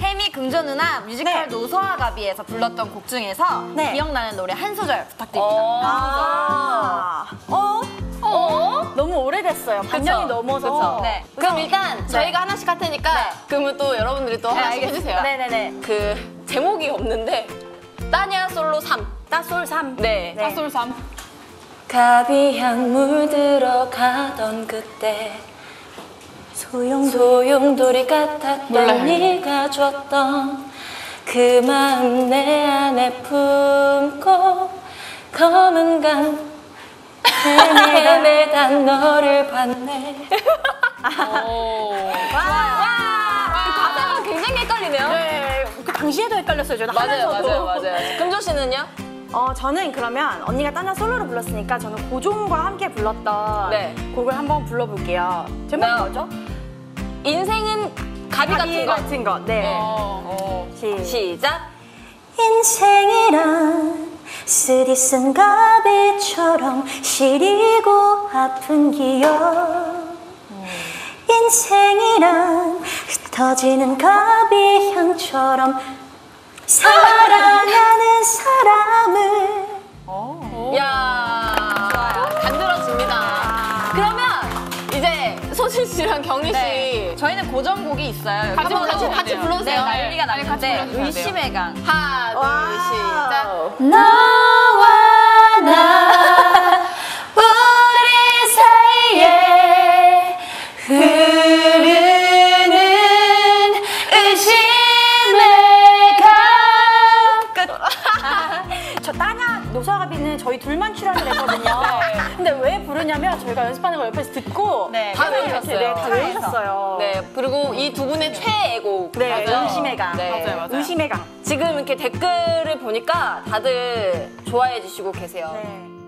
혜미 금전 누나 뮤지컬 노소화 가비에서 불렀던 곡 중에서 기억나는 노래 한 소절 부탁드립니다. 너무 오래됐어요. 반년이 넘어서. 네. 그럼 일단 저희가 하나씩 할 테니까 그러면 또 여러분들이 또 하나씩 해주세요. 네네네. 그 제목이 없는데 따냐 솔로 3. 따솔 3. 네. 따솔 3. 가비향 물들어가던 그때 소용돌이 같았던 네가 줬던 그 마음 내 안에 품고 검은 강 헤매다 너를 봤네. 가사가 굉장히 헷갈리네요. 네. 그 당시에도 헷갈렸어요. 저는 맞아요. 금조 씨는요? 저는 그러면 언니가 따냐 솔로로 불렀으니까 저는 고종과 함께 불렀던 곡을 한번 불러볼게요. 제목이 뭐죠? 인생은 가비 같은 거. 네. 시작. 인생이란 쓰디쓴 가비처럼 시리고 아픈 기억. 인생이란 흩어지는 가비향처럼 사랑하는 사람을. 야, 좋아요. 간들어집니다. 그러면 이제 소진 씨랑 경희 씨 저희는 고정곡이 있어요. 같이 불러주세요. 난리가 났는데 의심의 강. 하나, 둘, 시작. 너와 나 우리 사이에 흐르는 의심의 강. 저 따냐 노사가비는 저희 둘만 출연을 했거든요. 근데 왜 부르냐면 저희가 연습하는 걸 옆에서 듣고 다 외우셨어요. 다 외우셨어요. 네, 그리고 이 두 분의 최애곡. 네, 맞아요. 의심의 강. 네. 의심의 강. 지금 이렇게 댓글을 보니까 다들 좋아해 주시고 계세요. 네.